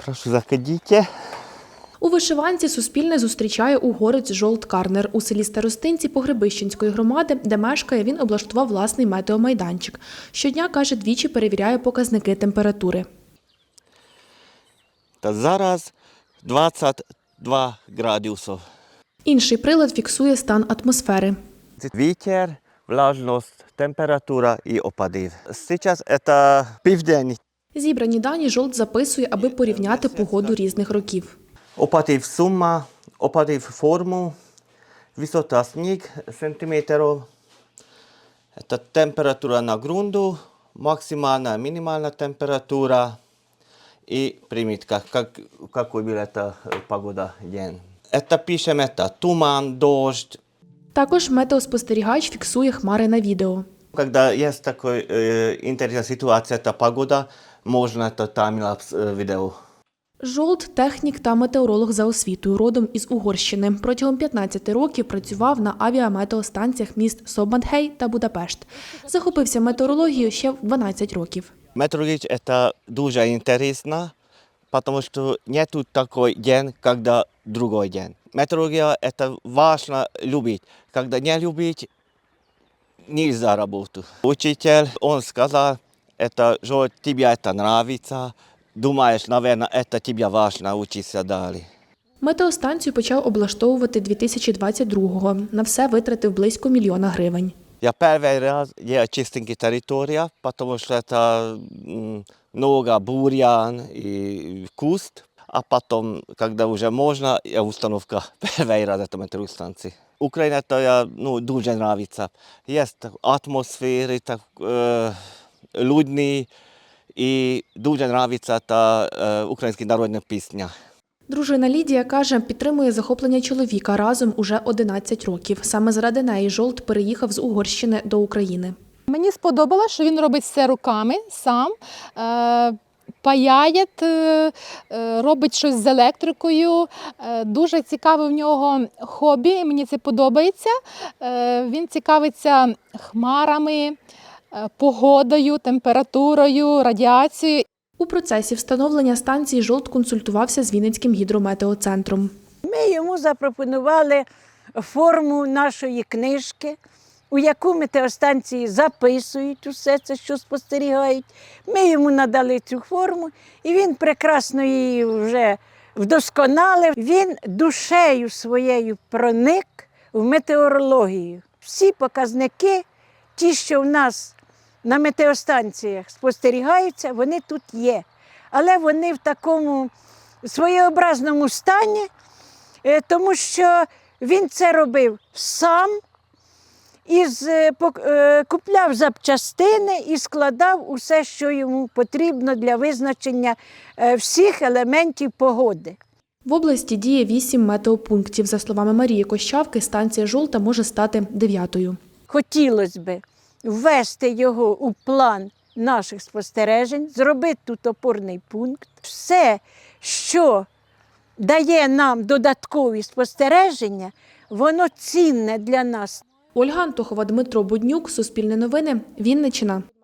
Прошу, заходите. У вишиванці Суспільне зустрічає угорець Жолт Карнер. У селі Старостинці Погребищенської громади, де мешкає, він облаштував власний метеомайданчик. Щодня, каже, двічі перевіряє показники температури. Та зараз 22 градуси. Інший прилад фіксує стан атмосфери. Вітер, влажність, температура і опади. Зараз це південь. Зібрані дані Жолт записує, аби порівняти погоду різних років. Опадів сума, опадів форму, висота сніг сантиметрів, це температура на ґрунту, максимальна, мінімальна температура і примітка, какой була ця погода день. Це пишемо, це туман, дощ. Також метеоспостерігач фіксує хмари на відео. Коли є така інтересна ситуація, та погода, можна таймлапс відео. Жолт – технік та метеоролог за освітою, родом із Угорщини. Протягом 15 років працював на авіаметеостанціях міст Собматгей та Будапешт. Захопився метеорологією ще в 12 років. Метеорологія – це дуже цікаво, тому що немає такий день, коли другий день. Метеорологія – це важливо любити. Коли не любить, не можна працювати. Учитель, він сказав, що тобі це подобається. Думаєш, мабуть, це тобі важливо вчитися далі. Метеостанцію почав облаштовувати 2022-го. На все витратив близько 1 мільйона гривень. Я перший раз є чистенька територія, тому що це много бур'ян і куст. А потім, коли вже можна, є установка перший раз цієї метеостанції. Україна дуже подобається. Є атмосфери, людні. І дуже подобається та українська народна пісня. Дружина Лідія, каже, підтримує захоплення чоловіка разом уже 11 років. Саме заради неї Жолт переїхав з Угорщини до України. Мені сподобалося, що він робить все руками сам, паяє, робить щось з електрикою. Дуже цікаве в нього хобі, мені це подобається. Він цікавиться хмарами, погодою, температурою, радіацією. У процесі встановлення станції Жолт консультувався з Вінницьким гідрометеоцентром. Ми йому запропонували форму нашої книжки, у яку метеостанції записують усе це, що спостерігають. Ми йому надали цю форму, і він прекрасно її вже вдосконалив. Він душею своєю проник в метеорологію. Всі показники, ті, що в нас на метеостанціях спостерігаються, вони тут є. Але вони в такому своєобразному стані, тому що він це робив сам, купляв запчастини і складав усе, що йому потрібно для визначення всіх елементів погоди. В області діє 8 метеопунктів. За словами Марії Кощавки, станція Жолта може стати 9-ю. Хотілося б ввести його у план наших спостережень, зробити тут опорний пункт. Все, що дає нам додаткові спостереження, воно цінне для нас. Ольга Антохова, Дмитро Буднюк, Суспільне новини, Вінниччина.